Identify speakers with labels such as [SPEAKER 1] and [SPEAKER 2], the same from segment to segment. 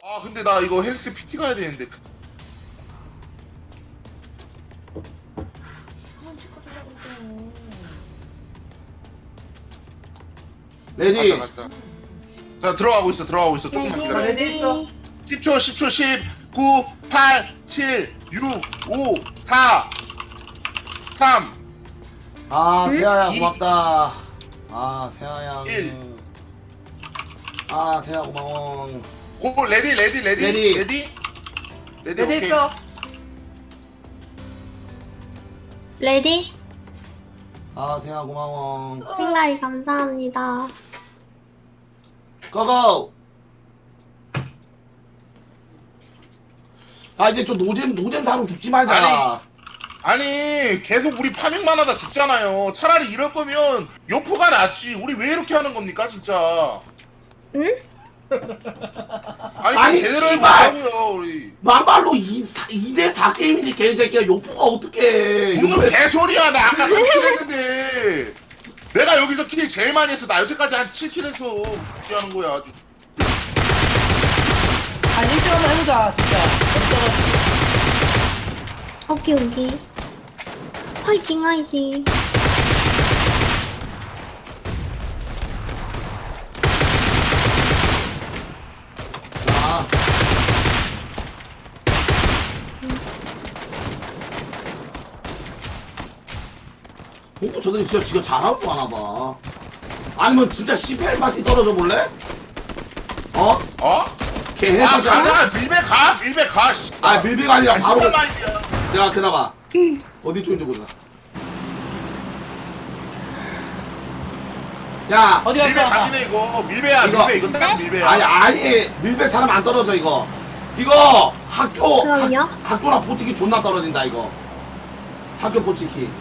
[SPEAKER 1] 아 근데 나 이거 헬스 PT 가야 되는데.
[SPEAKER 2] 그만 치고 들어가고.
[SPEAKER 3] 레디.
[SPEAKER 1] 갔다. 자 들어가고 있어 조금만 기다려.
[SPEAKER 2] 레디 있어.
[SPEAKER 1] 10초 10 9 8 7 6 5 4 3
[SPEAKER 3] 아, 세아야,
[SPEAKER 1] 이-
[SPEAKER 3] 고맙다. 아, 세아야.
[SPEAKER 1] 일.
[SPEAKER 3] 아, 세아, 고마워.
[SPEAKER 1] 고 레디
[SPEAKER 3] 레디.
[SPEAKER 2] 레디
[SPEAKER 1] 오케이.
[SPEAKER 2] 있어.
[SPEAKER 4] 레디?
[SPEAKER 3] 아, 세아, 고마워.
[SPEAKER 4] 생각이 감사합니다.
[SPEAKER 3] 고고! 아, 이제 좀 노잼 사람 죽지 말자.
[SPEAKER 1] 아니 계속 우리 파밍만 하다 죽잖아요. 차라리 이럴 거면 요포가 낫지. 우리 왜 이렇게 하는 겁니까 진짜.
[SPEAKER 4] 응?
[SPEAKER 1] 아니,
[SPEAKER 3] 아니,
[SPEAKER 1] 제대로
[SPEAKER 3] 씨발.
[SPEAKER 1] 해보자고요 우리.
[SPEAKER 3] 막말로 2대4 게임인데 개새끼야. 요포가 어떡해.
[SPEAKER 1] 무슨 개소리야. 나 아까 3킬 했는데 내가 여기서 킬 제일 많이 했어. 나 여태까지 한 7킬 했어. 어떻게 하는 거야 아주.
[SPEAKER 2] 아 1등 한번 해보자 진짜.
[SPEAKER 4] 오케이. 화이팅.
[SPEAKER 3] 아. 공부 저들이 진짜 지가 잘하는 거 하나 봐. 아니면 진짜 18바티 떨어져 볼래? 어?
[SPEAKER 1] 어?
[SPEAKER 3] 걔
[SPEAKER 1] 아
[SPEAKER 3] 해주잖아?
[SPEAKER 1] 가자. 밀배 가. 씨.
[SPEAKER 3] 아, 밀배가 아니라
[SPEAKER 1] 아니,
[SPEAKER 3] 바로.
[SPEAKER 1] 진짜 말이야.
[SPEAKER 3] 내가 기다봐. 어디 쪽인지 보자. 야,
[SPEAKER 2] 어디
[SPEAKER 1] 밀배
[SPEAKER 2] 갈까?
[SPEAKER 1] 가기네 이거. 밀배야
[SPEAKER 3] 이거-
[SPEAKER 1] 밀배. 이거 딱 밀배야.
[SPEAKER 3] 아니, 밀배 사람 안 떨어져, 이거. 이거,
[SPEAKER 4] 그럼요?
[SPEAKER 3] 학교랑 보치기 존나 떨어진다, 이거. 학교 보치기.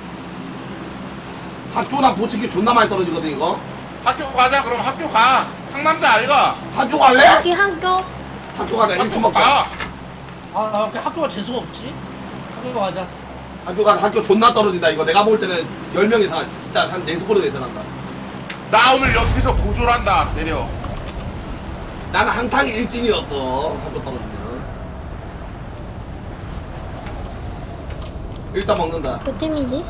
[SPEAKER 3] 학교랑 보치기 존나 많이 떨어지거든, 이거.
[SPEAKER 1] 학교 가자. 그럼 학교 가. 상남자 아이가.
[SPEAKER 3] 학교 갈래?
[SPEAKER 4] 여기 학교.
[SPEAKER 3] 학교 가자, 1층
[SPEAKER 1] 학교
[SPEAKER 3] 먹자.
[SPEAKER 1] 가.
[SPEAKER 2] 아나 이렇게 학교가 재수가 없지? 학교 가자.
[SPEAKER 3] 학교 가자, 학교 존나 떨어진다, 이거. 내가 볼 때는 10명 이상, 진짜 한 4스코어 예상한다.
[SPEAKER 1] 나 오늘 여기서 고졸한다. 내려.
[SPEAKER 3] 나는 항상 일진이었어, 학교 떨어지면. 일단 먹는다.
[SPEAKER 4] 몇 팀이지?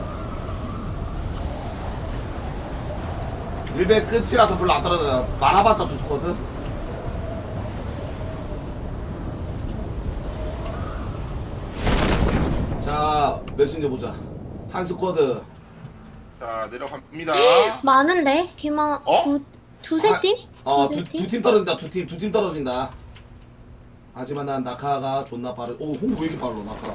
[SPEAKER 3] 밀배 끝이라서 별로 안 떨어져. 많아봤자 2스코어든. 자, 몇인지 보자. 한 스쿼드.
[SPEAKER 1] 자 내려갑니다.
[SPEAKER 4] 많은데? 걔만
[SPEAKER 1] 어?
[SPEAKER 4] 두세 팀? 두세
[SPEAKER 3] 두 팀 떨어진다. 두 팀 떨어진다. 하지만 난 낙하가 존나 빠르. 오, 홍보 왜 이렇게 빨라, 낙하.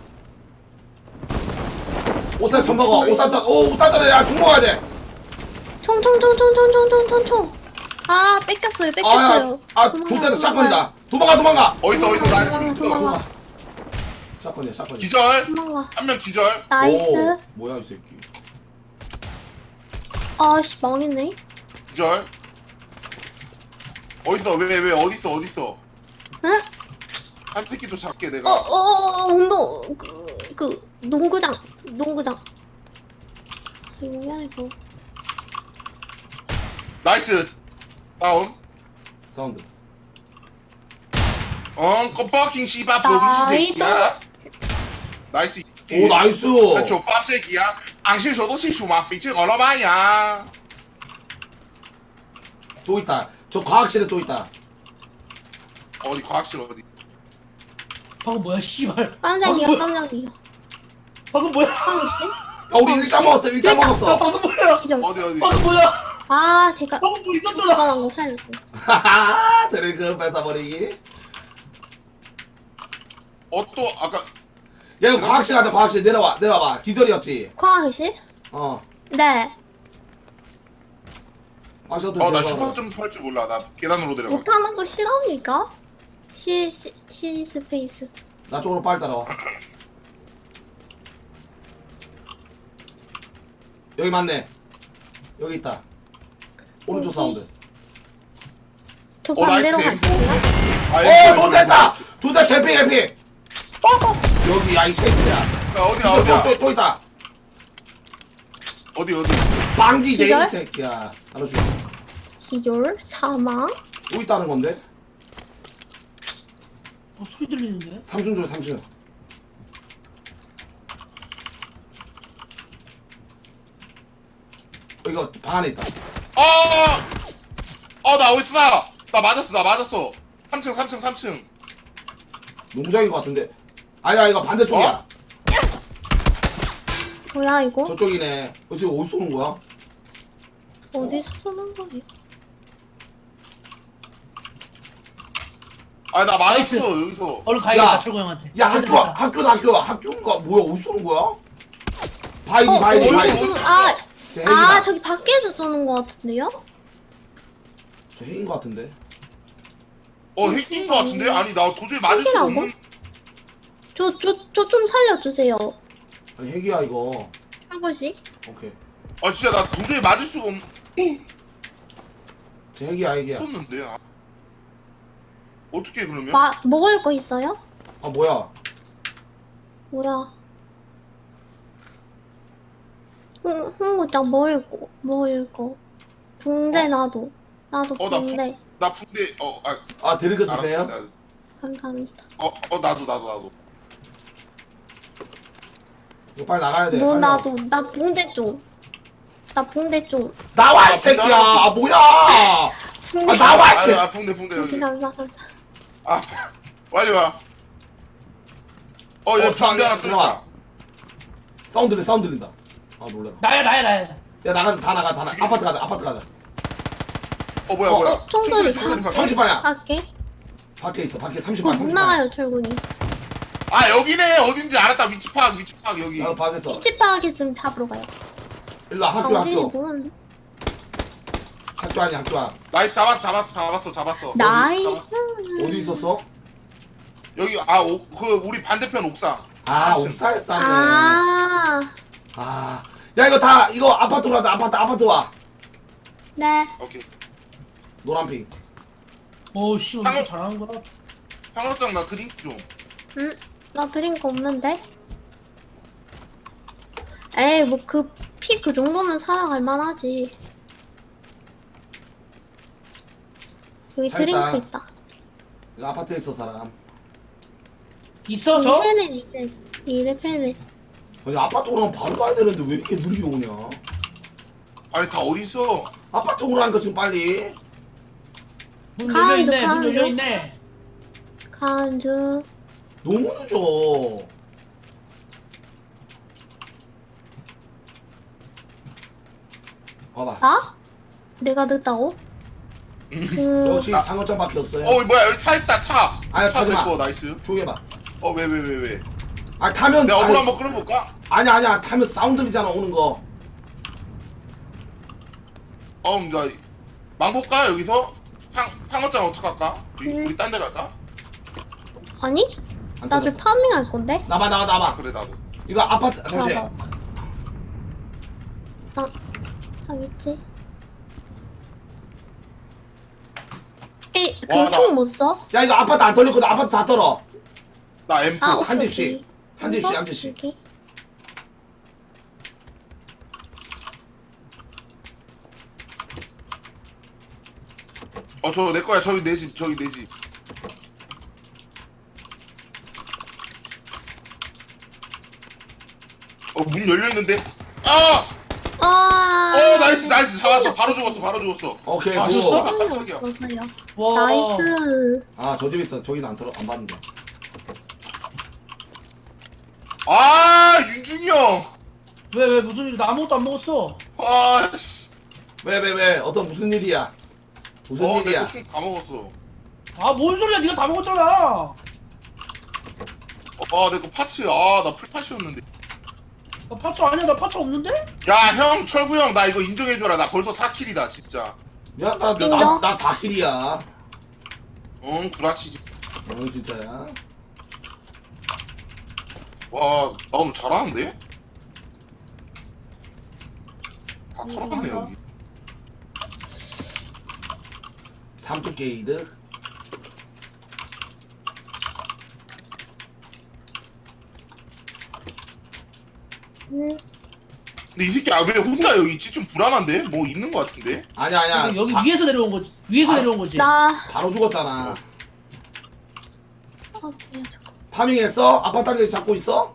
[SPEAKER 3] 옷살 전 먹어. 옷살 떨어. 야, 중 먹어야 돼.
[SPEAKER 4] 총. 아, 뺏겼어요.
[SPEAKER 3] 좋다, 샷건이다. 도망가.
[SPEAKER 1] 어디서 나 지금 있어.
[SPEAKER 4] 도망가.
[SPEAKER 3] 샷건이야.
[SPEAKER 1] 기절.
[SPEAKER 4] 도망가.
[SPEAKER 1] 한 명 기절.
[SPEAKER 4] 나이스.
[SPEAKER 3] 오, 뭐야, 이 새끼.
[SPEAKER 4] 아씨, 망했네.
[SPEAKER 1] 기절. 어디서 왜 어디서.
[SPEAKER 4] 응?
[SPEAKER 1] 한 새끼도 잡게 내가.
[SPEAKER 4] 운동, 농구장. 이거 미안해, 그거.
[SPEAKER 1] 나이스. 다운.
[SPEAKER 3] 사운드.
[SPEAKER 1] 껌뻑킹 씨바
[SPEAKER 4] 나이스.
[SPEAKER 1] 범새끼야. 나이스.
[SPEAKER 3] 오, 나이스.
[SPEAKER 1] 九八岁几啊？昂新手都是属嘛，飞机俄罗巴呀。
[SPEAKER 3] 또 있다. 저 과학실에 또 있다.
[SPEAKER 1] 어디 과학실 어디?
[SPEAKER 2] 방금 뭐야 씨발.
[SPEAKER 4] 깜짝이야.
[SPEAKER 2] 방금 뭐야?
[SPEAKER 4] 황씨?
[SPEAKER 3] 야, 우리 일장 먹었어. 일장
[SPEAKER 2] 야
[SPEAKER 3] 먹었어.
[SPEAKER 2] 방금 뭐야?
[SPEAKER 4] 기절.
[SPEAKER 1] 어디?
[SPEAKER 2] 방금 뭐야?
[SPEAKER 4] 아, 제가
[SPEAKER 2] 방금 뭐 있었잖아.
[SPEAKER 4] 잠깐만 거 살렸어.
[SPEAKER 3] 하하하. 드래그 뺏어버리기.
[SPEAKER 1] 또 아까
[SPEAKER 3] 야, 이거 과학실 가자. 과학실 내려와봐. 기절이었지.
[SPEAKER 4] 과학실?
[SPEAKER 3] 어.
[SPEAKER 4] 네.
[SPEAKER 3] 과학실
[SPEAKER 1] 나 슈퍼 좀 탈 줄 몰라. 나 계단으로 내려가.
[SPEAKER 4] 못하는 거 싫어합니까? C 스페이스.
[SPEAKER 3] 나 쪽으로 빨리 따라와. 여기 맞네. 여기 있다. 오른쪽
[SPEAKER 4] 어디?
[SPEAKER 3] 사운드.
[SPEAKER 4] 저
[SPEAKER 1] 나이스.
[SPEAKER 4] 반대로 갈게요.
[SPEAKER 3] 좋됐다! 좋다, 개피! 여기, 야, 이 새끼야.
[SPEAKER 1] 야, 어디야?
[SPEAKER 3] 또 있다.
[SPEAKER 1] 어디?
[SPEAKER 3] 빵기 제이
[SPEAKER 4] 기절?
[SPEAKER 3] 새끼야. 알아줘.
[SPEAKER 4] 기절, 사망.
[SPEAKER 3] 또 있다는 건데?
[SPEAKER 2] 소리 들리는데?
[SPEAKER 3] 3층 줘 3층. 이거 방 안에 있다.
[SPEAKER 1] 나 어딨어? 나 맞았어. 3층.
[SPEAKER 3] 농장인 것 같은데. 아니야 이거 반대쪽이야.
[SPEAKER 1] 어?
[SPEAKER 4] 뭐야, 이거?
[SPEAKER 3] 저쪽이네. 지금 어디서 오는 거야?
[SPEAKER 4] 어디서 쓰는 거지?
[SPEAKER 1] 나 맞았어,
[SPEAKER 2] 나이스.
[SPEAKER 1] 여기서.
[SPEAKER 2] 얼른 가야겠다, 철구 형한테.
[SPEAKER 3] 야 학교인가 뭐야 어디서 오는 거야? 바이디
[SPEAKER 4] 어,
[SPEAKER 3] 바이디
[SPEAKER 1] 어디,
[SPEAKER 3] 바이디.
[SPEAKER 1] 어디?
[SPEAKER 3] 저
[SPEAKER 4] 저기 밖에서 쓰는 거 같은데요?
[SPEAKER 3] 저 핵인 것 같은데.
[SPEAKER 1] 핵인 것 같은데? 아니, 나 도저히 맞을 수가
[SPEAKER 4] 핵이라고?
[SPEAKER 1] 없는.
[SPEAKER 4] 저 좀 살려주세요.
[SPEAKER 3] 아니 핵이야 이거.
[SPEAKER 4] 철구씨.
[SPEAKER 3] 오케이.
[SPEAKER 1] 진짜 나 도저히 맞을 수가
[SPEAKER 3] 저 핵이야.
[SPEAKER 1] 없었는데. 어떻게 그러면?
[SPEAKER 4] 먹을 거 있어요?
[SPEAKER 3] 아 뭐야?
[SPEAKER 4] 뭐야? 흥구짱 먹을 거. 붕대 나도 나도 붕대.
[SPEAKER 1] 나 붕대,
[SPEAKER 3] 아 드링크
[SPEAKER 1] 알았어,
[SPEAKER 3] 드세요?
[SPEAKER 4] 감사합니다.
[SPEAKER 1] 나도.
[SPEAKER 3] 이거 빨리 나가야 돼.
[SPEAKER 4] 너
[SPEAKER 3] 빨리
[SPEAKER 4] 나도 나 붕대 좀. 나 붕대 좀.
[SPEAKER 3] 나와 이 새끼야. 아 뭐야? 아
[SPEAKER 4] 붕대.
[SPEAKER 3] 나와 이 새끼.
[SPEAKER 1] 붕대 여기.
[SPEAKER 4] 감사합니다.
[SPEAKER 1] 빨리 와. 여기 붕대 하나 또
[SPEAKER 3] 들어와.
[SPEAKER 1] 있다.
[SPEAKER 3] 사운드 들린다. 아 놀래라.
[SPEAKER 2] 나야.
[SPEAKER 3] 야 나가 다 나가. 아파트 가자.
[SPEAKER 1] 뭐야.
[SPEAKER 4] 총소리
[SPEAKER 1] 총소리
[SPEAKER 4] 다.
[SPEAKER 3] 30방향.
[SPEAKER 4] 할게.
[SPEAKER 3] 밖에 있어. 밖에
[SPEAKER 4] 그거
[SPEAKER 3] 30방.
[SPEAKER 4] 못 나가요, 철군이.
[SPEAKER 1] 여기네. 어딘지 알았다. 위치 파악, 여기.
[SPEAKER 3] 야 밖에서.
[SPEAKER 4] 위치 파악했으면 잡으러 가요.
[SPEAKER 3] 일로 와,
[SPEAKER 4] 어딘지
[SPEAKER 3] 학교.
[SPEAKER 4] 모르는데.
[SPEAKER 3] 학교 아니야 학교.
[SPEAKER 1] 나이스, 잡았어.
[SPEAKER 4] 나이스.
[SPEAKER 3] 어디 있었어?
[SPEAKER 1] 여기, 우리 반대편 옥상.
[SPEAKER 3] 아
[SPEAKER 1] 3층.
[SPEAKER 3] 옥사에 싸네.
[SPEAKER 4] 아.
[SPEAKER 3] 야 이거 아파트로 가자. 아파트 와.
[SPEAKER 4] 네.
[SPEAKER 1] 오케이.
[SPEAKER 3] 노란핑.
[SPEAKER 2] 오씨, 오늘 잘하는 거라.
[SPEAKER 1] 상어장 나 드링크 좀.
[SPEAKER 4] 응? 나 드링크 없는데? 에이, 뭐, 피 그 정도는 살아갈 만하지. 여기
[SPEAKER 3] 차
[SPEAKER 4] 드링크
[SPEAKER 3] 있다.
[SPEAKER 4] 있다.
[SPEAKER 3] 이거 아파트에 있어 사람.
[SPEAKER 2] 있어, 저?
[SPEAKER 4] 이래 패네.
[SPEAKER 3] 아니 아파트로 가면 바로 가야 되는데 왜 이렇게 느리게 오냐?
[SPEAKER 1] 아니, 다 어딨어?
[SPEAKER 3] 아파트로 가니까 지금 빨리.
[SPEAKER 2] 문
[SPEAKER 4] 가운데,
[SPEAKER 2] 열려있네, 문
[SPEAKER 4] 가운데.
[SPEAKER 2] 열려있네.
[SPEAKER 4] 간주.
[SPEAKER 3] 너무 늦어. 봐봐.
[SPEAKER 4] 나? 내가 늦다고?
[SPEAKER 3] 역시 상어장밖에 없어요.
[SPEAKER 1] 뭐야, 여기 차 있다, 차.
[SPEAKER 3] 아니,
[SPEAKER 1] 차
[SPEAKER 3] 타지 마.
[SPEAKER 1] 내꺼, 나이스.
[SPEAKER 3] 조용히 해봐.
[SPEAKER 1] 왜.
[SPEAKER 3] 아 타면
[SPEAKER 1] 내가 어글
[SPEAKER 3] 아니,
[SPEAKER 1] 한번 끌어볼까?
[SPEAKER 3] 아니야 타면 사운드 들리잖아 오는 거.
[SPEAKER 1] 나 망볼까, 여기서? 상어장 어떡할까?
[SPEAKER 4] 응.
[SPEAKER 1] 우리 딴 데 갈까?
[SPEAKER 4] 아니?
[SPEAKER 3] 안
[SPEAKER 4] 나도
[SPEAKER 3] 끊었다.
[SPEAKER 4] 파밍 할 건데?
[SPEAKER 3] 나봐.
[SPEAKER 1] 그래, 나도.
[SPEAKER 3] 이거 아파트 잠시.
[SPEAKER 4] 나봐. 있지?
[SPEAKER 1] 와, 나-
[SPEAKER 4] 그총 못 써?
[SPEAKER 3] 야 이거 아파트 안 털렸거든. 아파트 다 털어.
[SPEAKER 1] 나 M4.
[SPEAKER 3] 한
[SPEAKER 4] 오케이,
[SPEAKER 3] 집씩.
[SPEAKER 4] 오케이.
[SPEAKER 3] 한 집씩,
[SPEAKER 4] 이거?
[SPEAKER 3] 한 집씩.
[SPEAKER 4] 오케이.
[SPEAKER 1] 저 내 거야. 저기 내 집. 문 열려있는데? 나이스. 잡았어. 바로 죽었어.
[SPEAKER 3] 오케이.
[SPEAKER 1] 아,
[SPEAKER 3] 굿.
[SPEAKER 1] 진짜?
[SPEAKER 4] 없어요.
[SPEAKER 2] 와.
[SPEAKER 4] 나이스.
[SPEAKER 3] 아 저 집에 있어. 저기는 안 털어 안 받는다.
[SPEAKER 1] 윤중이 형.
[SPEAKER 2] 왜, 무슨 일, 나 아무것도 안 먹었어.
[SPEAKER 1] 씨.
[SPEAKER 3] 왜 어떤 무슨 일이야? 무슨 일이야?
[SPEAKER 1] 내거 총다 먹었어.
[SPEAKER 2] 뭔 소리야, 니가 다 먹었잖아.
[SPEAKER 1] 내거 파츠. 나 풀파츠였는데.
[SPEAKER 2] 나 파츠 아니야, 나 파츠 없는데?
[SPEAKER 1] 야, 형, 철구 형, 나 이거 인정해줘라. 나 벌써 4킬이다, 진짜.
[SPEAKER 3] 야나
[SPEAKER 4] 인정?
[SPEAKER 3] 4킬이야.
[SPEAKER 1] 구라치지.
[SPEAKER 3] 진짜야.
[SPEAKER 1] 와, 나 오늘 잘하는데? 다 털어갔네,
[SPEAKER 2] 맞아.
[SPEAKER 1] 여기.
[SPEAKER 3] 3쪽 게이드.
[SPEAKER 1] 근데 이 새끼, 왜 혼자 여기 있지? 좀 불안한데? 뭐 있는 것 같은데?
[SPEAKER 3] 아니야.
[SPEAKER 2] 여기
[SPEAKER 3] 바-
[SPEAKER 2] 위에서 내려온 거지. 위에서
[SPEAKER 3] 바-
[SPEAKER 2] 내려온 거지.
[SPEAKER 4] 나
[SPEAKER 3] 바로 죽었잖아.
[SPEAKER 4] 파밍이야, 저거.
[SPEAKER 3] 파밍했어? 아파트 단계 잡고 있어?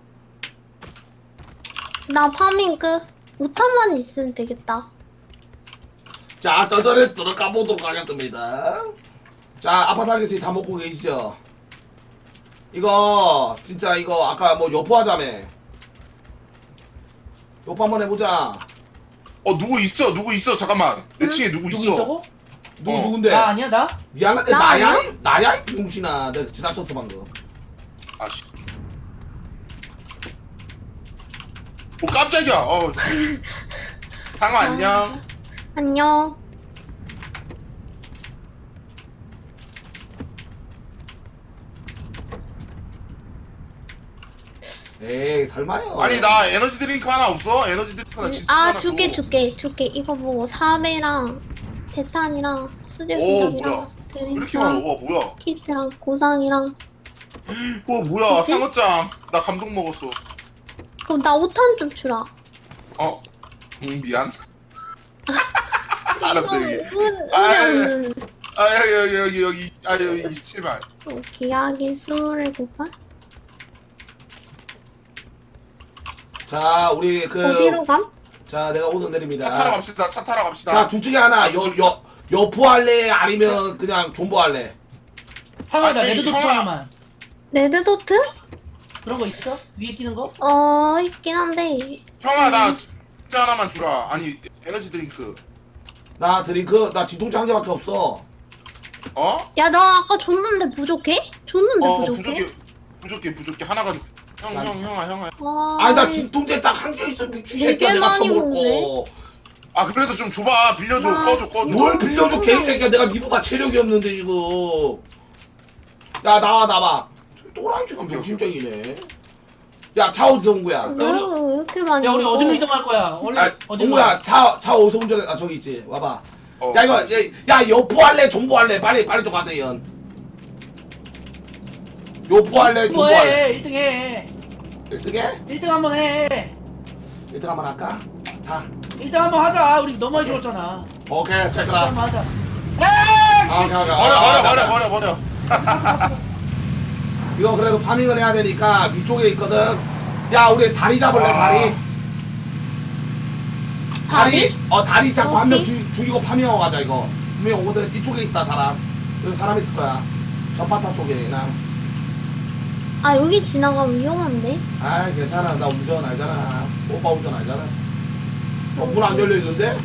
[SPEAKER 4] 나 파밍 끝. 5탄만 있으면 되겠다.
[SPEAKER 3] 자, 저절에 들어가 보도록 하겠습니다. 자, 아파트 단계에서 다 먹고 계시죠? 이거 진짜 이거 아까 뭐 여포하자며. 여포 한번 해보자.
[SPEAKER 1] 누구 있어 잠깐만 내 층에 누구
[SPEAKER 2] 누구
[SPEAKER 1] 있어
[SPEAKER 2] 있다고?
[SPEAKER 3] 누군데?
[SPEAKER 2] 나 아니야 나?
[SPEAKER 3] 미안한데
[SPEAKER 4] 나
[SPEAKER 3] 나야?
[SPEAKER 4] 아니야?
[SPEAKER 3] 나야? 이 병신아. 내가 지나쳤어 방금.
[SPEAKER 1] 아씨 깜짝이야 상아 안녕
[SPEAKER 4] 안녕.
[SPEAKER 3] 에이 설마요.
[SPEAKER 1] 아니 나 에너지 드링크 하나 없어? 에너지 드링크 하나 진짜
[SPEAKER 4] 아,
[SPEAKER 1] 하나
[SPEAKER 4] 줄게,
[SPEAKER 1] 줘.
[SPEAKER 4] 줄게. 이거 뭐, 사배랑, 대탄이랑, 수제
[SPEAKER 1] 오
[SPEAKER 4] 수작이랑,
[SPEAKER 1] 뭐야 왜 이렇게 많아 와 뭐야
[SPEAKER 4] 키트랑, 고상이랑.
[SPEAKER 1] 와 뭐야
[SPEAKER 4] 뭐지?
[SPEAKER 1] 상어짱 나 감동 먹었어
[SPEAKER 4] 그럼 나 5탄 좀 주라.
[SPEAKER 1] 미안 알았어 여기
[SPEAKER 4] 은은,
[SPEAKER 1] 여기 여기 27발
[SPEAKER 4] 기하기 27발?
[SPEAKER 3] 자 우리 그
[SPEAKER 4] 어디로 감?
[SPEAKER 3] 자 내가 오늘 내립니다.
[SPEAKER 1] 차 타러 갑시다 차 타러 갑시다
[SPEAKER 3] 자 둘 중에 하나 여포 할래 아니면 그냥 존버 할래?
[SPEAKER 2] 상아 나
[SPEAKER 1] 아니,
[SPEAKER 2] 레드도트
[SPEAKER 1] 형아.
[SPEAKER 2] 하나만.
[SPEAKER 4] 레드도트?
[SPEAKER 2] 그런 거 있어? 위에 뛰는 거?
[SPEAKER 4] 있긴 한데.
[SPEAKER 1] 형아 나 진짜 하나만 주라 아니 에너지 드링크
[SPEAKER 3] 나 드링크 나 진통제 한 개밖에 없어.
[SPEAKER 4] 야, 나 아까 줬는데 부족해? 줬는데 부족해?
[SPEAKER 1] 부족해 하나 가지고 형아
[SPEAKER 3] 아니 나 진통제 딱 한 개 있어 미친
[SPEAKER 4] 되게
[SPEAKER 3] 새끼야 내가
[SPEAKER 4] 많이
[SPEAKER 3] 처먹을
[SPEAKER 4] 먹네.
[SPEAKER 3] 거.
[SPEAKER 1] 아 그래도 좀 줘봐 빌려줘
[SPEAKER 4] 아,
[SPEAKER 1] 꺼줘
[SPEAKER 3] 뭘 빌려줘 개새끼야 내가 니보다 체력이 없는데 지금. 야 나와. 또라이 지금 정신적이네. 야 차 어디서 온 거야?
[SPEAKER 4] 왜 이렇게 많이
[SPEAKER 2] 야 우리
[SPEAKER 4] 먹어?
[SPEAKER 2] 어디로 이동할 거야? 원래
[SPEAKER 3] 아,
[SPEAKER 2] 어디로
[SPEAKER 3] 동구야
[SPEAKER 2] 가?
[SPEAKER 3] 차 어디서 운전해? 아 저기 있지 와봐.
[SPEAKER 1] 어.
[SPEAKER 3] 야 이거 야 여포 할래 존버 할래 빨리 좀 가세요. 여포 할래 존버 할래?
[SPEAKER 2] 뭐해 1등 해
[SPEAKER 3] 1등해?
[SPEAKER 2] 1등 한번 해
[SPEAKER 3] 1등 한번 할까? 다
[SPEAKER 2] 1등 한번 하자 우리 너무 많이 죽었잖아
[SPEAKER 3] 오케이
[SPEAKER 2] 1등
[SPEAKER 3] 됐다.
[SPEAKER 2] 한번 하자
[SPEAKER 3] 아, 오케이.
[SPEAKER 1] 버려
[SPEAKER 3] 이거 그래도 파밍을 해야 되니까 위쪽에 있거든. 야 우리 다리 잡을래 다리? 다리 잡고 한 명 죽이고 파밍하고 가자 이거. 분명 오거든. 이쪽에 있다 사람. 여기 사람 있을 거야. 전파타 쪽에 나.
[SPEAKER 4] 아, 여기 지나가면 위험한데?
[SPEAKER 3] 아 괜찮아 나 운전 알잖아. 오빠 운전 알잖아. 문 안 열려 있는데?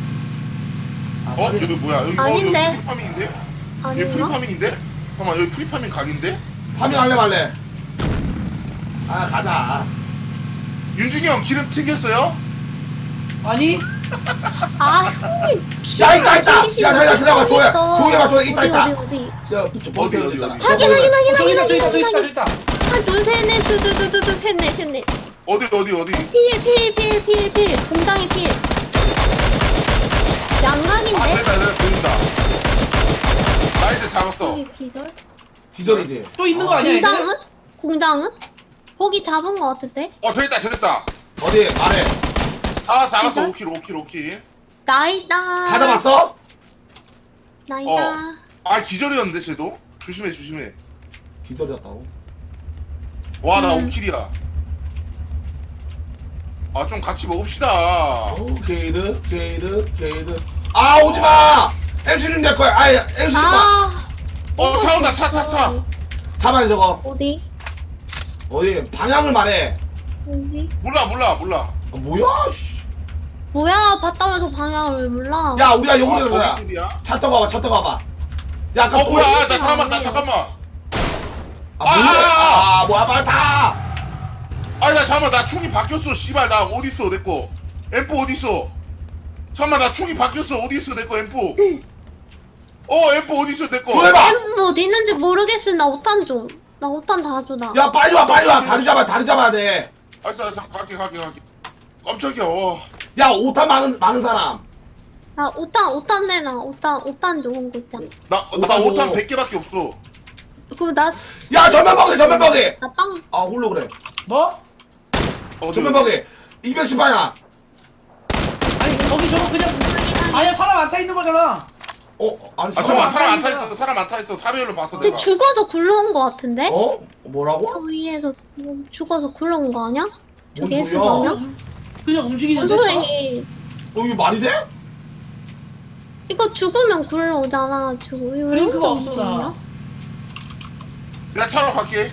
[SPEAKER 1] 여기 뭐야 여기
[SPEAKER 4] 아닌데.
[SPEAKER 1] 여기 프리파밍인데? 여기
[SPEAKER 4] 아닌가?
[SPEAKER 1] 프리파밍인데? 잠깐만 여기 프리파밍 각인데?
[SPEAKER 3] 파밍 할래 말래? 아 가자.
[SPEAKER 1] 윤중이 형 기름 튀겼어요?
[SPEAKER 2] 아니
[SPEAKER 4] 아, 형님.
[SPEAKER 3] 야, 있다. 야, 기다려봐. 조용히 해봐. 있다.
[SPEAKER 4] 어디?
[SPEAKER 3] 저 버스
[SPEAKER 1] 어디?
[SPEAKER 3] 있잖아.
[SPEAKER 4] 확인.
[SPEAKER 2] 저기 있다 저기 있다 저기 있다 저기 있다
[SPEAKER 4] 하나, 둘, 셋, 넷, 셋, 넷.
[SPEAKER 1] 어디
[SPEAKER 4] 필. 공장이 필. 양각인데?
[SPEAKER 1] 내가 보인다 나 이제 잡았어
[SPEAKER 4] 여기 기절?
[SPEAKER 3] 기절이지.
[SPEAKER 2] 또 있는 거 아니야 얘네?
[SPEAKER 4] 공장은? 거기 잡은 거 같은데?
[SPEAKER 1] 저기 있다
[SPEAKER 3] 어디 말해.
[SPEAKER 1] 잡았어
[SPEAKER 4] 기절?
[SPEAKER 1] 5킬
[SPEAKER 4] 나이다.
[SPEAKER 3] 다 잡았어?
[SPEAKER 4] 나이다.
[SPEAKER 1] 기절이었는데 쟤도? 조심해
[SPEAKER 3] 기절이었다고.
[SPEAKER 1] 와 나 5킬이야 좀 같이 먹읍시다
[SPEAKER 3] 게이드. 아 오지마. MC는 내 거야. 아이 MC는 나.
[SPEAKER 1] 차 온다 차
[SPEAKER 3] 잡아야 저거.
[SPEAKER 4] 어디?
[SPEAKER 3] 어디 방향을 말해.
[SPEAKER 4] 어디?
[SPEAKER 1] 몰라
[SPEAKER 3] 뭐야? 씨.
[SPEAKER 4] 뭐야, 봤다면서 방향을 왜 몰라?
[SPEAKER 3] 야 우리가 용으로 거야.
[SPEAKER 1] 거기 집이야?
[SPEAKER 3] 차 떠가봐. 야 아까
[SPEAKER 1] 뭐야 나
[SPEAKER 4] 아니야.
[SPEAKER 1] 잠깐만
[SPEAKER 3] 뭐야 빨리 타.
[SPEAKER 1] 아니 나 잠깐만 나 총이 바뀌었어 씨발 나 어딨어 내꺼 M4 어딨어 잠깐만 나 총이 바뀌었어 어딨어 내꺼 M4 M4 어딨어 내꺼
[SPEAKER 3] 조용해봐.
[SPEAKER 4] 뭐 어디 있는지 모르겠어. 나 5탄 좀. 나 5탄 다 줘, 나.
[SPEAKER 3] 야 빨리 와. 다리 잡아야 돼.
[SPEAKER 1] 알았어 갈게 깜짝이야
[SPEAKER 3] 야 오타 많은 사람.
[SPEAKER 4] 나 5탄 내놔. 5탄 좋은 거 있잖아.
[SPEAKER 1] 나
[SPEAKER 3] 오타고.
[SPEAKER 1] 5탄 100개밖에 없어
[SPEAKER 4] 그럼 나
[SPEAKER 3] 야 전면 먹이.
[SPEAKER 4] 빵.
[SPEAKER 3] 아 홀로 그래.
[SPEAKER 2] 뭐?
[SPEAKER 3] 전면 먹이. 210방향.
[SPEAKER 2] 아니 거기 저거 그냥 아니야 사람 안 타 있는 거잖아
[SPEAKER 3] 아니,
[SPEAKER 1] 아 잠깐만 사람 안 타있어 사람 안 타있어 타비엘로 봤어
[SPEAKER 4] 쟤
[SPEAKER 1] 내가
[SPEAKER 4] 죽어서 굴러온 거 같은데?
[SPEAKER 3] 뭐라고?
[SPEAKER 4] 저 위에서 죽어서 굴러온 거 아니야?
[SPEAKER 3] 뭔
[SPEAKER 4] 저기
[SPEAKER 3] 소리야?
[SPEAKER 4] S방향?
[SPEAKER 2] 그냥 움직이는데.
[SPEAKER 4] 원소리
[SPEAKER 3] 이게 말이 돼?
[SPEAKER 4] 이거 죽으면 굴러오잖아.
[SPEAKER 2] 브레이크가 없어, 나.
[SPEAKER 1] 내가 차로 갈게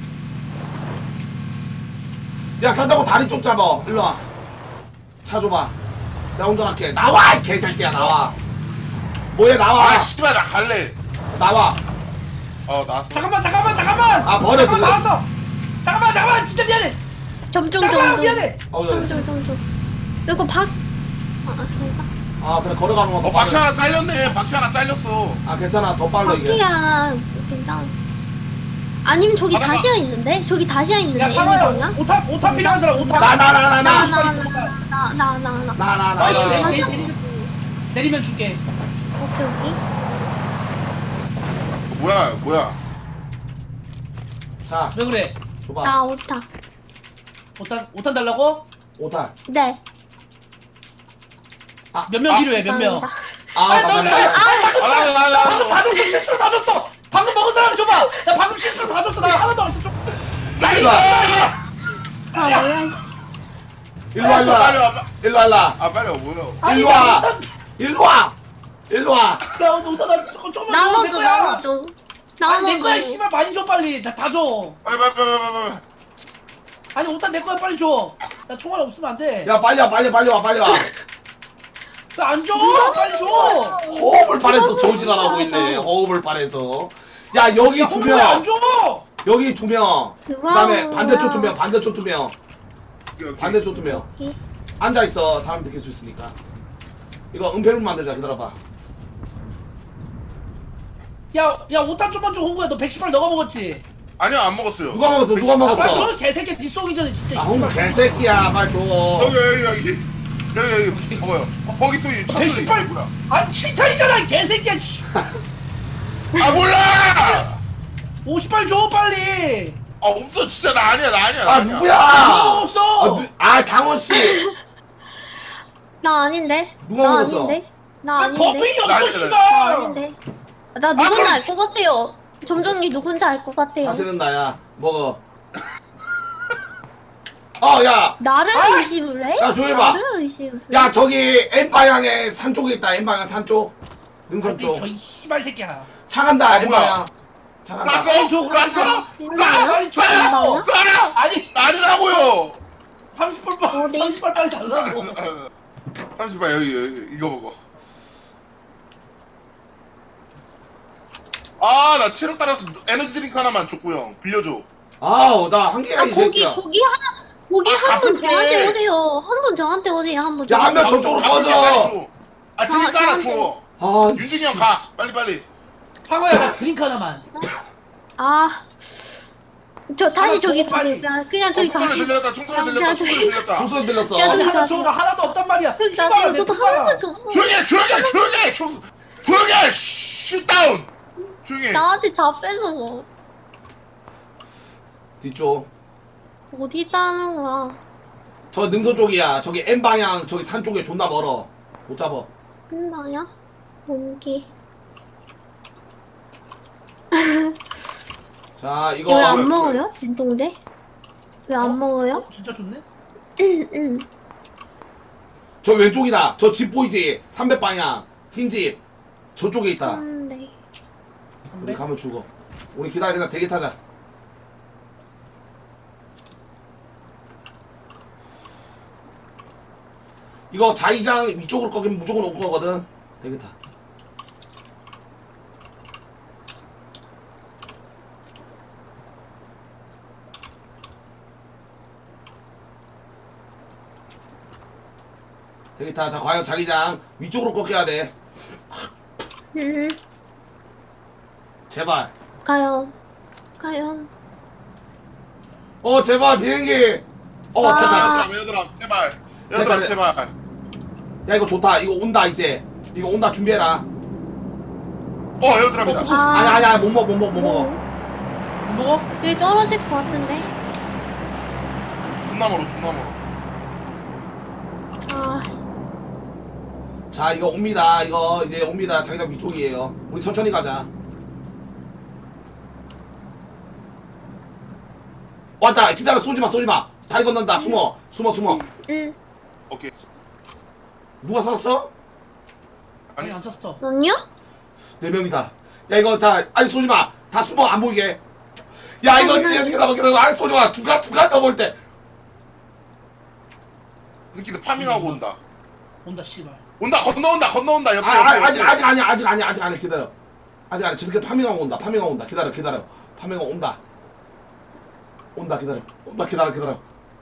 [SPEAKER 3] 야, 간다고 다리 좀 잡아. 일로 와. 차 줘봐. 내가 운전할게. 나와, 이 개새끼야, 나와. 뭐해, 나와.
[SPEAKER 1] 아 씨발 나 갈래
[SPEAKER 3] 나와.
[SPEAKER 1] 나왔어
[SPEAKER 2] 잠깐만.
[SPEAKER 3] 아, 버려,
[SPEAKER 2] 잠깐만,
[SPEAKER 3] 그거.
[SPEAKER 2] 나왔어. 잠깐만, 진짜 미안해.
[SPEAKER 4] 점점
[SPEAKER 2] 잠깐만, 미안해.
[SPEAKER 4] 점점. 이거 박. 그런가?
[SPEAKER 3] 그래, 걸어가는 거. 더
[SPEAKER 1] 바퀴
[SPEAKER 3] 빠르-
[SPEAKER 1] 하나 잘렸네 바퀴 하나 잘렸어
[SPEAKER 3] 괜찮아. 더 빨라, 이게.
[SPEAKER 4] 바퀴야 괜찮아. 아니면 저기
[SPEAKER 1] 아, 나-
[SPEAKER 4] 다시아 있는데? 저기 다시아 있는데
[SPEAKER 2] 야, 상호야.
[SPEAKER 4] N방향?
[SPEAKER 2] 오타 필요한 사람 오타.
[SPEAKER 3] 나.
[SPEAKER 2] 내리면 줄게.
[SPEAKER 4] 오케이.
[SPEAKER 1] 뭐야
[SPEAKER 3] 자,
[SPEAKER 2] 왜 그래?
[SPEAKER 3] 줘봐.
[SPEAKER 4] 나 오타.
[SPEAKER 2] 오탄 달라고?
[SPEAKER 3] 5탄.
[SPEAKER 4] 네.
[SPEAKER 2] 몇 명 필요해? 몇 명?
[SPEAKER 4] 감사합니다.
[SPEAKER 2] 방금 다 줬어. 실수로 다 줬어. 방금 먹은 사람 줘봐. 나 방금 실수로 다 줬어. 나 하나도 없어.
[SPEAKER 1] 나이스
[SPEAKER 4] 뭐야?
[SPEAKER 3] 일로 와, 일로
[SPEAKER 1] 빨리
[SPEAKER 3] 와.
[SPEAKER 1] 와
[SPEAKER 3] 일로 와.
[SPEAKER 1] 빨리 와 뭐야
[SPEAKER 2] 아니,
[SPEAKER 3] 일로
[SPEAKER 2] 나
[SPEAKER 3] 와.
[SPEAKER 2] 오탄-
[SPEAKER 3] 일로 와. 일로 와.
[SPEAKER 2] 야, 오탄 나 조금만
[SPEAKER 4] 나눠줘.
[SPEAKER 2] 아니, 내 거야, 씨발, 많이 줘, 빨리. 다 줘.
[SPEAKER 1] 빨리
[SPEAKER 2] 아니, 오탄 내 거야, 빨리 줘. 나 총알 없으면 안 돼.
[SPEAKER 3] 야, 빨리 와.
[SPEAKER 2] 왜 안 줘? 빨리 줘.
[SPEAKER 3] 호흡을 바래서 조지라라고 있네. 호흡을 바래서. 야, 여기 두
[SPEAKER 2] 왜 안
[SPEAKER 3] 명.
[SPEAKER 2] 줘?
[SPEAKER 3] 여기 2명. 그다음에 반대쪽 2명. 반대쪽 2명. 반대쪽 2명. 앉아 있어. 사람 느낄 수 있으니까. 이거 은폐룸 만들자. 기다려봐.
[SPEAKER 2] 야, 오탄 좀만 줘, 홍구야. 너 110발 너가 먹었지?
[SPEAKER 1] 아니요 안 먹었어요
[SPEAKER 3] 누가 먹었어? 누가
[SPEAKER 2] 아,
[SPEAKER 3] 먹었어?
[SPEAKER 2] 빨리 줘, 개새끼. 니 쏘기 전에 진짜.
[SPEAKER 3] 홍 개새끼야. 빨리 줘.
[SPEAKER 1] 여기 먹어요 거기 또 이 차소리
[SPEAKER 2] 110발.
[SPEAKER 1] 뭐야
[SPEAKER 2] 아니, 7탄이잖아, 이 개새끼야. 씨.
[SPEAKER 1] 아 몰라
[SPEAKER 2] 50발 줘, 빨리.
[SPEAKER 1] 없어 진짜 나 아니야
[SPEAKER 3] 아, 누구야?
[SPEAKER 2] 누가 먹었어?
[SPEAKER 3] 강원 씨.
[SPEAKER 4] 나 아닌데?
[SPEAKER 3] 누가
[SPEAKER 4] 나
[SPEAKER 3] 먹었어?
[SPEAKER 4] 아닌데? 나
[SPEAKER 2] 아, 범인이
[SPEAKER 4] 아닌데?
[SPEAKER 1] 나
[SPEAKER 2] 없어,
[SPEAKER 1] 아니야,
[SPEAKER 4] 나
[SPEAKER 2] 씨발.
[SPEAKER 4] 아닌데? 나 누군지
[SPEAKER 1] 그럼-
[SPEAKER 4] 알 것 같아요. 점점이 누군지 알 것 같아요.
[SPEAKER 3] 사실은 나야. 먹어. 야.
[SPEAKER 4] 나를
[SPEAKER 2] 아!
[SPEAKER 4] 의심을 해?
[SPEAKER 3] 야, 조용히 봐.
[SPEAKER 4] 나를 의심을 해?
[SPEAKER 3] 야, 저기 N방향에 산 쪽에 있다. N방향 산 쪽. 능선
[SPEAKER 2] 아니,
[SPEAKER 3] 쪽.
[SPEAKER 2] 저이 씨발 새끼야.
[SPEAKER 3] 차 간다.
[SPEAKER 1] 아,
[SPEAKER 3] N방향.
[SPEAKER 1] 뭐야.
[SPEAKER 3] 차 간다.
[SPEAKER 1] 쐈어? 쐈어?
[SPEAKER 2] 빨리 줘.
[SPEAKER 1] 쏴라
[SPEAKER 2] 아니,
[SPEAKER 1] 아니라고요
[SPEAKER 2] 30발
[SPEAKER 4] 어디?
[SPEAKER 2] 30발 빨리 달라고.
[SPEAKER 1] 잠시만 여기 이거 먹어 나 체력 따라서 에너지 드링크 하나만 줬고요 빌려줘
[SPEAKER 3] 나 한 개야, 이
[SPEAKER 4] 고기
[SPEAKER 3] 새끼야.
[SPEAKER 4] 고기 한 분
[SPEAKER 1] 가끔씩.
[SPEAKER 4] 저한테 오세요. 한 분 저한테 오세요. 한 분.
[SPEAKER 3] 야, 한 명
[SPEAKER 4] 저한테.
[SPEAKER 3] 저쪽으로
[SPEAKER 1] 아,
[SPEAKER 3] 꺼져.
[SPEAKER 1] 드링크 하나
[SPEAKER 4] 저한테.
[SPEAKER 1] 줘
[SPEAKER 3] 아,
[SPEAKER 1] 윤진이 형 가 빨리
[SPEAKER 2] 상호야, 나 드링크 하나만.
[SPEAKER 4] 저 다시 저기
[SPEAKER 2] 빨리.
[SPEAKER 4] 그냥 저기
[SPEAKER 1] 총소리
[SPEAKER 4] 가시.
[SPEAKER 1] 들렸다 총소리 들렸다 총소리 들렸다
[SPEAKER 3] 총소리 들렸어.
[SPEAKER 4] 야,
[SPEAKER 2] 아니,
[SPEAKER 4] 저기
[SPEAKER 2] 하나
[SPEAKER 4] 가세요.
[SPEAKER 2] 줘. 나 하나도 없단 말이야.
[SPEAKER 4] 여기
[SPEAKER 2] 씨발,
[SPEAKER 4] 가세요.
[SPEAKER 2] 내
[SPEAKER 4] 저도
[SPEAKER 2] 뚜껑아.
[SPEAKER 4] 하나만 줘.
[SPEAKER 1] 조용히 해 슛다운 조용히 해
[SPEAKER 4] 나한테 다 뺏어.
[SPEAKER 3] 뒤쪽.
[SPEAKER 4] 어디 있다는 거야?
[SPEAKER 3] 저 능선 쪽이야. 저기 N방향, 저기 산 쪽에 존나 멀어. 못 잡아.
[SPEAKER 4] 끝나냐? 공기.
[SPEAKER 3] 자,
[SPEAKER 4] 왜
[SPEAKER 3] 이거.
[SPEAKER 4] 안 먹어요? 진통제? 왜 안 먹어요?
[SPEAKER 2] 진짜 좋네.
[SPEAKER 4] 응.
[SPEAKER 3] 저 왼쪽이다. 저 집 보이지? 300방향. 흰 집. 저쪽에 있다.
[SPEAKER 4] 네.
[SPEAKER 3] 우리 가면 죽어. 우리 기다리다 대기 타자. 이거 자의장 위쪽으로 꺾이면 무조건 올 거거든. 대기 타. 대기 타. 자, 과연 자기장 위쪽으로 꺾여야 돼.
[SPEAKER 4] 응.
[SPEAKER 3] 제발.
[SPEAKER 4] 가요.
[SPEAKER 3] 제발 비행기.
[SPEAKER 4] 아.
[SPEAKER 3] 됐다.
[SPEAKER 1] 얘들아 제발
[SPEAKER 3] 됐다,
[SPEAKER 1] 얘들아
[SPEAKER 3] 됐다.
[SPEAKER 1] 제발
[SPEAKER 3] 야, 이거 좋다. 이거 온다 이제. 이거 온다. 준비해라.
[SPEAKER 1] 얘들아입니다
[SPEAKER 4] 아.
[SPEAKER 3] 아니야. 못 먹어.
[SPEAKER 2] 못 먹어?
[SPEAKER 4] 여기 떨어질 것 같은데.
[SPEAKER 1] 존나 멀어
[SPEAKER 4] 아.
[SPEAKER 3] 자, 이거 옵니다. 이거 이제 옵니다. 자기장 위쪽이에요. 우리 천천히 가자. 왔다. 기다려. 쏘지마, 쏘지마. 다리 건넌다. 숨어.
[SPEAKER 4] 응.
[SPEAKER 1] 오케이.
[SPEAKER 3] 누가 쐈어?
[SPEAKER 2] 아니 안 쳤어.
[SPEAKER 4] 아니야?
[SPEAKER 3] 4명이다. 야, 이거 다, 아니, 쏘지마. 다 숨어. 안 보이게. 야, 이거, 기다려. 아니, 쏘지마. 두가 더 볼 때.
[SPEAKER 1] 새끼들 파밍하고 온다.
[SPEAKER 2] 온다 씨발.
[SPEAKER 1] 온다, 건너온다, 옆에,
[SPEAKER 3] 아직
[SPEAKER 1] 옆에.
[SPEAKER 3] 아니야. 기다려. 아직 아니. 저렇게 파밍하고 온다. 기다려. 파밍하고 온다. 기다려.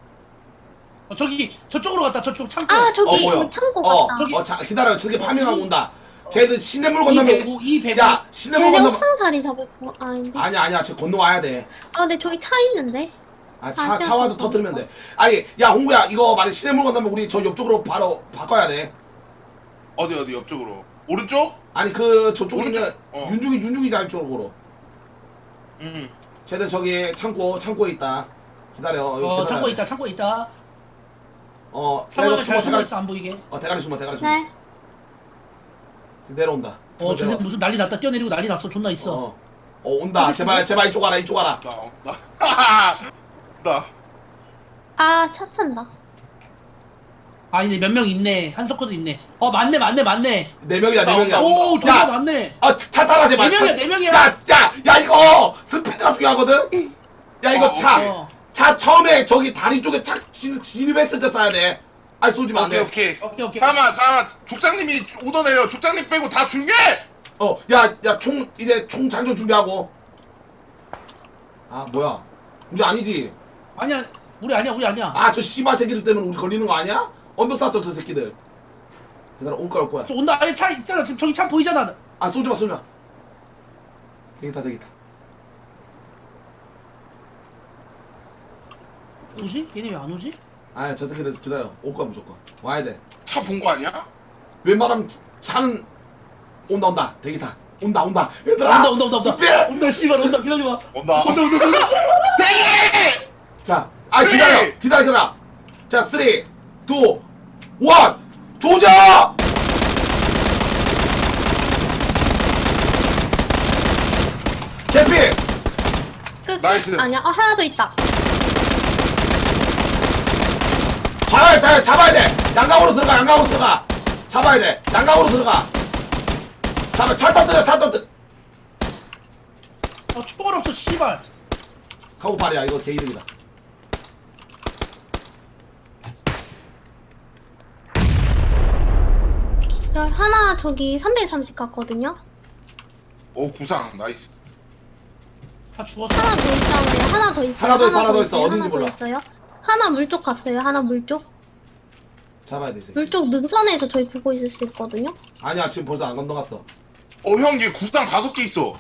[SPEAKER 2] 저기 저쪽으로 갔다. 저쪽 창고.
[SPEAKER 4] 아, 저기
[SPEAKER 3] 뭐야?
[SPEAKER 4] 창고 같다.
[SPEAKER 2] 저기-
[SPEAKER 3] 기다려. 저렇게 파밍하고 온다. 쟤들 시냇물 건너면.
[SPEAKER 2] 이 배구.
[SPEAKER 3] 야, 시냇물
[SPEAKER 4] 쟤네
[SPEAKER 3] 건너면.
[SPEAKER 4] 옥상 자리 잡을 거 아닌데?
[SPEAKER 3] 아니야. 쟤 건너와야 돼.
[SPEAKER 4] 아, 근데 저기 차 있는데?
[SPEAKER 3] 차 와도 터뜨리면 돼. 아니, 야, 홍구야, 이거 만약 시냇물 건너면 우리 저 옆쪽으로 바로 바꿔야 돼.
[SPEAKER 1] 어디, 옆쪽으로. 오른쪽?
[SPEAKER 3] 아니, 저쪽이면
[SPEAKER 1] 오른쪽? 어.
[SPEAKER 3] 윤중이 자리 쪽으로.
[SPEAKER 1] 응.
[SPEAKER 3] 쟤들 저기 창고에 있다. 기다려. 여기
[SPEAKER 2] 창고
[SPEAKER 3] 기다려.
[SPEAKER 2] 있다. 창고 있다.
[SPEAKER 3] 내려,
[SPEAKER 2] 창고에 잘 숨어
[SPEAKER 3] 대가리.
[SPEAKER 2] 있어 안 보이게.
[SPEAKER 3] 대가리 숨어.
[SPEAKER 4] 네.
[SPEAKER 3] 내려온다.
[SPEAKER 2] 쟤네 무슨 난리 났다. 뛰어내리고 난리 났어. 존나 있어.
[SPEAKER 3] 온다. 제발 이쪽 와라.
[SPEAKER 1] 나.
[SPEAKER 4] 아, 차 탄다.
[SPEAKER 2] 아니네 몇 명 있네. 한석호도 있네. 맞네.
[SPEAKER 3] 4명이야.
[SPEAKER 2] 오, 존나
[SPEAKER 3] 야,
[SPEAKER 2] 많네.
[SPEAKER 3] 타타하지 마.
[SPEAKER 2] 4명이야.
[SPEAKER 3] 야, 이거 스피드가 중요하거든. 야, 이거
[SPEAKER 1] 오케이.
[SPEAKER 3] 차 처음에 저기 다리 쪽에 착 진입했을 때 쏴야 돼. 아니, 쏘지 마. 안 돼.
[SPEAKER 1] 오케이.
[SPEAKER 2] 오케이.
[SPEAKER 1] 잠깐만. 족장님이 오더내려. 족장님 빼고 다 중계!
[SPEAKER 3] 야, 이제 총 장전 준비하고. 아, 뭐야. 우리 아니지?
[SPEAKER 2] 아니야. 우리 아니야.
[SPEAKER 3] 아, 저 씨발 새끼들 때문에 우리 걸리는 거 아니야? 언더 쐈어, 저 새끼들. 얘들아, 올 거야.
[SPEAKER 2] 저 온다. 아니 차 있잖아. 지금 저기 차 보이잖아.
[SPEAKER 3] 아, 쏘지 마. 되겠다.
[SPEAKER 2] 오지? 얘네 왜 안 오지?
[SPEAKER 3] 아, 저 새끼들 기다려. 올 거야, 무조건. 와야 돼.
[SPEAKER 1] 차 본 거 아니야?
[SPEAKER 3] 웬만하면 차는 온다. 대기타. 온다. 얘들아.
[SPEAKER 2] 온다.
[SPEAKER 3] 준비!
[SPEAKER 2] 온다 씨발 온다. 기다려봐.
[SPEAKER 1] 온다. 대기!
[SPEAKER 3] 자,
[SPEAKER 1] 쓰리!
[SPEAKER 3] 기다려. 자, 3, 2, 1, 조져! 개피!
[SPEAKER 4] 끝.
[SPEAKER 1] 나이스.
[SPEAKER 4] 아니야. 하나 더 있다.
[SPEAKER 3] 잡아야 돼. 양강으로 들어가. 잡아야 돼. 양강으로 들어가. 차 터뜨려.
[SPEAKER 2] 총알 없어 씨발.
[SPEAKER 3] 카고 발이야. 이거 개이득이다.
[SPEAKER 4] 하나 저기 330 갔거든요?
[SPEAKER 1] 오, 구상. 나이스.
[SPEAKER 2] 다 죽었어.
[SPEAKER 4] 하나 더 있잖아요. 하나 더 있어요.
[SPEAKER 3] 하나 더 있어. 어딘지
[SPEAKER 4] 하나 더
[SPEAKER 3] 몰라.
[SPEAKER 4] 있어요. 하나 물쪽 갔어요. 하나 물쪽.
[SPEAKER 3] 잡아야 돼, 이 새끼.
[SPEAKER 4] 물쪽 능선에서 저희 보고 있을 수 있거든요?
[SPEAKER 3] 아니야, 지금 벌써 안 건너갔어.
[SPEAKER 1] 형, 얘 구상 5개 있어.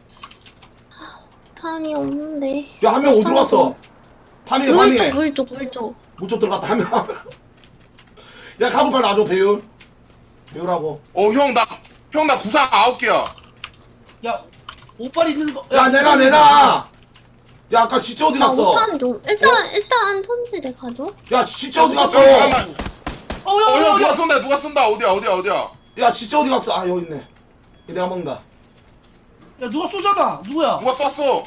[SPEAKER 4] 탄이 없는데.
[SPEAKER 3] 야, 한 명 어디로 갔어? 파밍해.
[SPEAKER 4] 물쪽.
[SPEAKER 3] 물쪽 들어갔다, 한 명. 야, 카고 발 놔줘, 배우라고.
[SPEAKER 1] 형, 나 구상 9개야.
[SPEAKER 2] 야 오빨 있는 거.
[SPEAKER 3] 야, 내놔. 야, 아까 시체 어디
[SPEAKER 4] 나
[SPEAKER 3] 갔어?
[SPEAKER 4] 5탄 좀. 일단 손질해 가죠.
[SPEAKER 3] 야, 시체 어디 갔어?
[SPEAKER 1] 잠깐만.
[SPEAKER 2] 야.
[SPEAKER 1] 누가 쏜다. 어디야?
[SPEAKER 3] 야, 시체 어디 갔어? 아, 여기 있네. 이거 내가 먹는다.
[SPEAKER 2] 야 누가 쏘잖아. 누구야?
[SPEAKER 1] 누가 쐈어?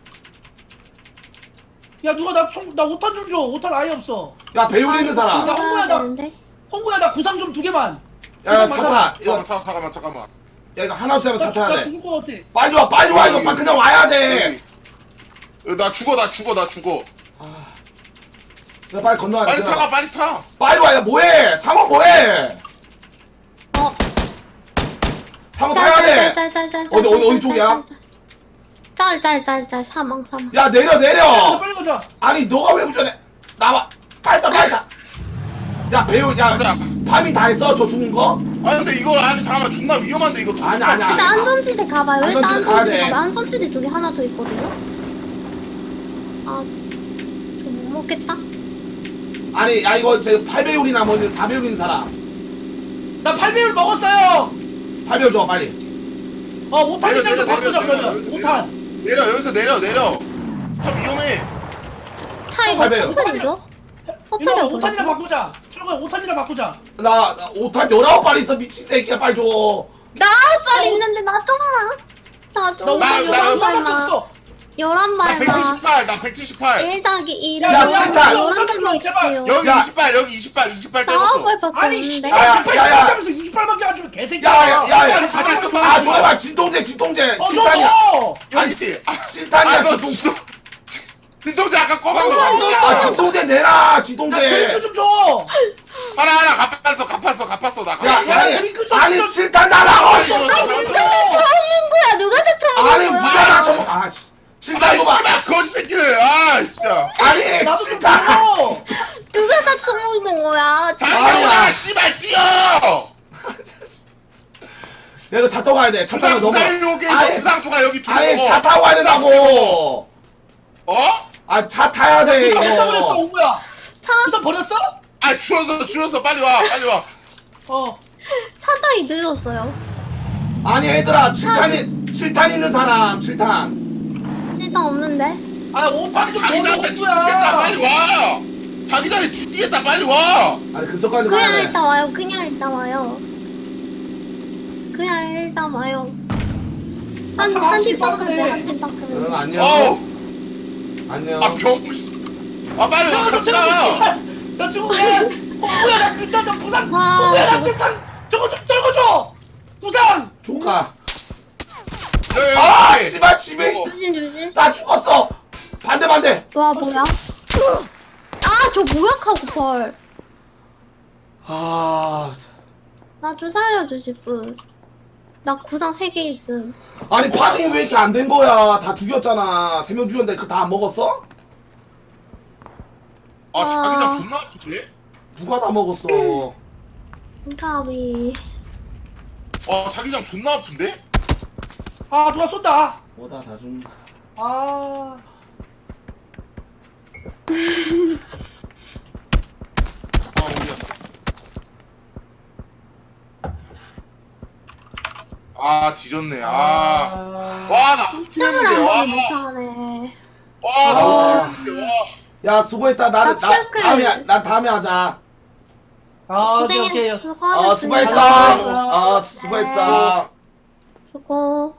[SPEAKER 2] 야 누가 나 5탄 좀 줘. 5탄 아예 없어.
[SPEAKER 3] 야, 배율 있는 사람.
[SPEAKER 2] 나 홍보야, 나.
[SPEAKER 4] 되는데.
[SPEAKER 2] 홍구야 나 구상 좀 2개만.
[SPEAKER 3] 야, 차타. 이거,
[SPEAKER 1] 잠깐만.
[SPEAKER 3] 야, 이거 하나 쓰면 차 타야
[SPEAKER 2] 나
[SPEAKER 3] 돼.
[SPEAKER 2] 죽을 것 같아.
[SPEAKER 3] 빨리 와. 이거 그냥 와야 돼.
[SPEAKER 1] 나 죽어.
[SPEAKER 3] 아. 야, 빨리 건너야 돼.
[SPEAKER 1] 빨리 타.
[SPEAKER 3] 빨리 와. 야, 뭐해? 상어 뭐해? 상어 타야 돼. 어디 쪽이야?
[SPEAKER 4] 짤. 사망.
[SPEAKER 3] 야, 내려.
[SPEAKER 2] 빨리 가자.
[SPEAKER 3] 아니, 너가 왜 운전해? 나와. 빨리 타. 야, 배율, 야,
[SPEAKER 1] 가자.
[SPEAKER 3] 파밍 다 했어? 저 죽는 거?
[SPEAKER 1] 근데 이거 잠깐만 존나 위험한데 이거.
[SPEAKER 3] 아니야.
[SPEAKER 4] 일단 안전지대 가봐요. 일단
[SPEAKER 3] 안전지대 가야 돼.
[SPEAKER 4] 안전지대 가봐요. 안전지대 쪽에 하나 더 있거든요. 저 못 먹겠다.
[SPEAKER 3] 아니, 야, 이거 제 8배율이나 뭐 4배율인 사람.
[SPEAKER 2] 나 8배율 먹었어요.
[SPEAKER 3] 8배율 줘, 빨리.
[SPEAKER 2] 5탄이나 바꾸자 그러면. 5탄.
[SPEAKER 1] 여기서 내려. 저 위험해.
[SPEAKER 4] 차 이거
[SPEAKER 3] 팔배율.
[SPEAKER 4] 천천히죠?
[SPEAKER 2] 이거
[SPEAKER 4] 포탈이
[SPEAKER 2] 5탄이랑 바꾸자. 철거야 5탄이랑 바꾸자.
[SPEAKER 3] 나 5탄 19발 있어 미친 새끼야 빨리 줘.
[SPEAKER 4] 나 9발 있는데 나 좀만. 나 좀만
[SPEAKER 1] 나-
[SPEAKER 4] 11발만.
[SPEAKER 2] 없어.
[SPEAKER 4] 11발만.
[SPEAKER 1] 나 178.
[SPEAKER 4] 1-2를
[SPEAKER 2] 야,
[SPEAKER 3] 진짜.
[SPEAKER 4] 11발만
[SPEAKER 2] 제발.
[SPEAKER 4] 있어요.
[SPEAKER 1] 여기
[SPEAKER 3] 야.
[SPEAKER 1] 28, 여기 28
[SPEAKER 4] 나
[SPEAKER 1] 떼놓고.
[SPEAKER 4] 9발밖에
[SPEAKER 2] 아니
[SPEAKER 4] 없는데.
[SPEAKER 3] 야, 야, 야.
[SPEAKER 2] 하면서 28밖에 안 주면 개새끼야.
[SPEAKER 3] 야야야야.
[SPEAKER 1] 잠깐만,
[SPEAKER 3] 아 줘봐 진통제 진통제. 실탄이야.
[SPEAKER 2] 줘.
[SPEAKER 1] 여기 있지.
[SPEAKER 3] 실탄이야
[SPEAKER 1] 너
[SPEAKER 3] 진통제.
[SPEAKER 1] 진짜. 진통제 아까 꺼간 거
[SPEAKER 2] 아,
[SPEAKER 1] 같은데.
[SPEAKER 3] 아 진통제 내라
[SPEAKER 2] 야
[SPEAKER 3] 진통제.
[SPEAKER 2] 드링크 좀 줘.
[SPEAKER 1] 하나 갚았어. 나
[SPEAKER 3] 야
[SPEAKER 1] 갚았어.
[SPEAKER 3] 아니
[SPEAKER 2] 드링크 좀
[SPEAKER 3] 아니
[SPEAKER 2] 줘.
[SPEAKER 3] 실탄 나라고.
[SPEAKER 1] 아니,
[SPEAKER 4] 누가 다 처먹는 거야? 누가 다 처먹는
[SPEAKER 3] 아니
[SPEAKER 4] 거야?
[SPEAKER 3] 누가 나 처먹. 아 실탄 줘봐.
[SPEAKER 1] 씨발 거지 새끼들. 아 진짜.
[SPEAKER 3] 아니
[SPEAKER 2] 나도 좀
[SPEAKER 3] 실탄.
[SPEAKER 2] 줘.
[SPEAKER 4] 누가 다 처먹는 거야?
[SPEAKER 1] 장난이야 씨발 뛰어.
[SPEAKER 3] 내가 차 타고 가야 돼. 차 타고 넘어.
[SPEAKER 1] 부상 주가 여기 두고.
[SPEAKER 3] 아니 차 타고 가야 된다고.
[SPEAKER 1] 어?
[SPEAKER 3] 아 차 타야 돼
[SPEAKER 2] 부산 버렸어
[SPEAKER 3] 이거.
[SPEAKER 2] 오구야.
[SPEAKER 4] 차,
[SPEAKER 2] 부산 버렸어?
[SPEAKER 1] 아 추웠어 빨리 와.
[SPEAKER 2] 어.
[SPEAKER 4] 차다이 늦었어요.
[SPEAKER 3] 아니 얘들아 7탄 있는 사람 7탄.
[SPEAKER 4] 일단 없는데.
[SPEAKER 2] 아 5탄 좀
[SPEAKER 1] 자기장에
[SPEAKER 2] 줘.
[SPEAKER 1] 죽겠다
[SPEAKER 2] 오구야.
[SPEAKER 1] 빨리 와. 자기장에 죽겠다 빨리 와.
[SPEAKER 3] 아니 그쪽까지
[SPEAKER 4] 그냥
[SPEAKER 3] 가야 돼.
[SPEAKER 4] 일단 와요. 그냥 일단 와요. 그냥 일단 와요. 한 팀밖에
[SPEAKER 2] 빠르네.
[SPEAKER 4] 한 팀밖에.
[SPEAKER 3] 응 안녕.
[SPEAKER 1] 어우.
[SPEAKER 3] 안녕.
[SPEAKER 1] 아 병. 아 빨리 와 같이 가.
[SPEAKER 2] 나 지금 오구야 나 진짜 좀 부산.
[SPEAKER 4] 와,
[SPEAKER 2] 오구야 나
[SPEAKER 4] 저거-
[SPEAKER 2] 부산. 저거 좀 떨궈줘. 부산.
[SPEAKER 3] 조카.
[SPEAKER 1] 여기,
[SPEAKER 3] 아
[SPEAKER 1] 여기.
[SPEAKER 3] 씨발 집에
[SPEAKER 1] 어.
[SPEAKER 4] 조심 조심.
[SPEAKER 3] 나 죽었어. 반대.
[SPEAKER 4] 와 뭐야? 아 저 뭐야 카고펄.
[SPEAKER 3] 아
[SPEAKER 4] 나 좀 살려주실 분. 나 구상 3개 있음.
[SPEAKER 3] 아니 파밍이 왜 이렇게 안 된 거야? 다 죽였잖아. 3명 죽였는데 그거 다 안 먹었어?
[SPEAKER 1] 아 자기장 존나 아픈데?
[SPEAKER 3] 누가 다 먹었어?
[SPEAKER 4] 가비.
[SPEAKER 1] 자기장 존나 아픈데?
[SPEAKER 2] 아 누가 쏜다.
[SPEAKER 3] 뭐다 다 죽.
[SPEAKER 2] 아.
[SPEAKER 1] 어디야? 아 뒤졌네. 와나
[SPEAKER 4] 짱을
[SPEAKER 1] 웃기는데
[SPEAKER 4] 안 보기 못하네.
[SPEAKER 1] 와나
[SPEAKER 3] 아.
[SPEAKER 1] 웃기는데 와.
[SPEAKER 3] 야 수고했다.
[SPEAKER 4] 나
[SPEAKER 3] 나
[SPEAKER 4] 체크.
[SPEAKER 3] 다음에 하자.
[SPEAKER 2] 아 오케이 오케이.
[SPEAKER 3] 수고했어.
[SPEAKER 2] 수고하셨습니다.
[SPEAKER 3] 수고했어.
[SPEAKER 4] 수고.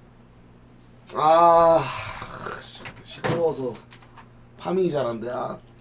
[SPEAKER 3] 아 시끄러워서 파밍이 잘 안 돼. 아.